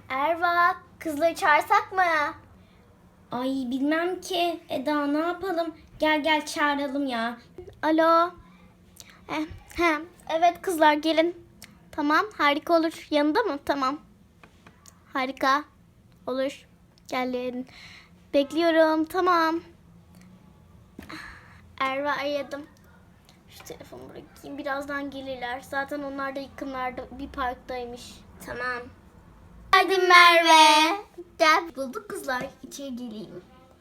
Erva, kızları çağırsak mı? Ay bilmem ki. Eda ne yapalım? Gel çağıralım ya. Alo. Evet kızlar gelin. Tamam, harika olur. Yanında mı? Tamam. Harika. Olur. Gelin. Bekliyorum. Tamam. Erva aradım. Şu telefonu bırakayım. Birazdan gelirler. Zaten onlar da yakınlarda bir parktaymış. Tamam. Hadi Merve. Gel. Bulduk kızlar. İçeri geleyim.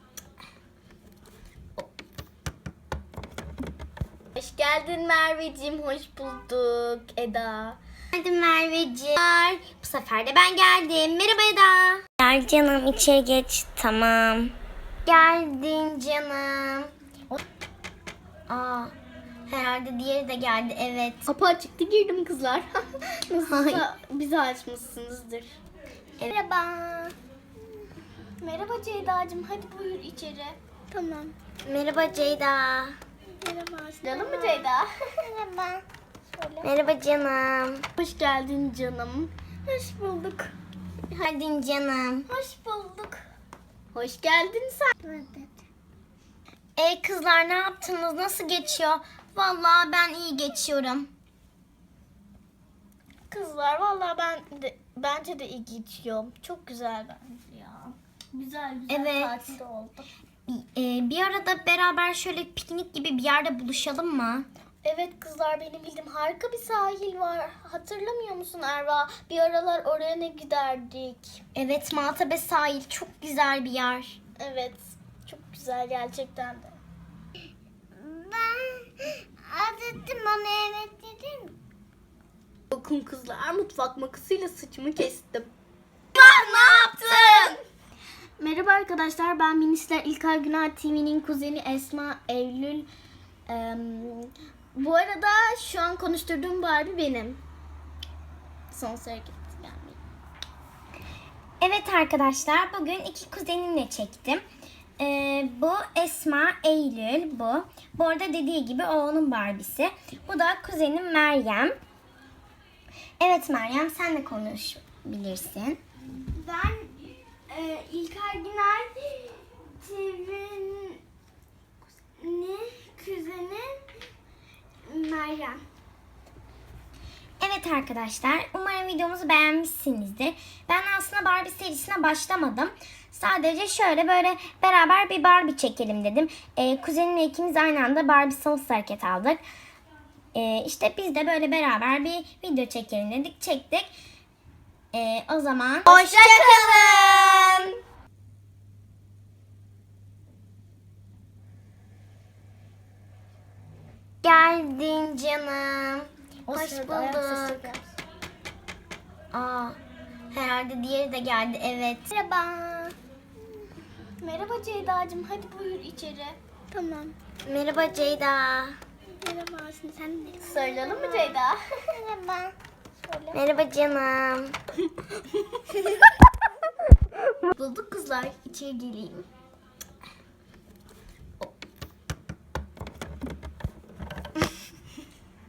Hoş geldin Merveciğim. Hoş bulduk Eda. Hadi Merveciğim. Bu sefer de ben geldim. Merhaba Eda. Gel canım içeri geç. Tamam. Geldin canım. Aa, herhalde diğeri de geldi. Evet. Kapı açıktı, girdim kızlar. Nasılsa bizi açmışsınızdır. Merhaba. Merhaba Ceyda'cığım. Hadi buyur içeri. Tamam. Merhaba Ceyda. Merhaba. Canım mı Ceyda? Merhaba. Merhaba canım. Hoş geldin canım. Hoş bulduk. Hadi canım. Hoş bulduk. Hoş geldin sen. Kızlar ne yaptınız? Nasıl geçiyor? Vallahi ben iyi geçiyorum. Kızlar vallahi bence de iyi geçiyor. Çok güzel bence ya. Güzel Evet. tatil oldu. Bir arada beraber şöyle piknik gibi bir yerde buluşalım mı? Evet kızlar, benim bildiğim harika bir sahil var. Hatırlamıyor musun Erva? Bir aralar oraya ne giderdik? Evet, Maltepe sahil çok güzel bir yer. Evet. Çok güzel gerçekten de. Ben azıttım bana evet dedim. Bakın kızlar, mutfak makasıyla saçımı kestim. Ne yaptın? Merhaba arkadaşlar, ben Minisler İlkay Günay TV'nin kuzeni Esma Eylül. Bu arada şu an konuşturduğum Barbie benim. Son sıra gitti gelmeyi. Evet arkadaşlar, bugün iki kuzenimle çektim. Bu Esma, Eylül bu. Bu arada dediği gibi o onun Barbie'si. Bu da kuzenim Meryem. Evet Meryem, sen de konuşabilirsin. Ben İlkay Günay TV'nin kuzeni Meryem. Evet arkadaşlar, umarım videomuzu beğenmişsinizdir. Ben aslında Barbie serisine başlamadım. Sadece şöyle böyle beraber bir Barbie çekelim dedim. Kuzenimle ikimiz aynı anda Barbie Sonsuz Hareket aldık. İşte biz de böyle beraber bir video çekelim dedik. Çektik. O zaman Hoşça kalın. Geldin canım. O Hoş sırada ayak sesi bulduk. geldi. Aa, herhalde diğeri de geldi. Evet. Merhaba. Merhaba Ceyda'cığım. Hadi buyur içeri. Tamam. Merhaba Ceyda. Merhaba. Şimdi sen ne? Sarılalım mı Ceyda? Merhaba. Söyle. Merhaba canım. Bulduk kızlar. İçeri geleyim.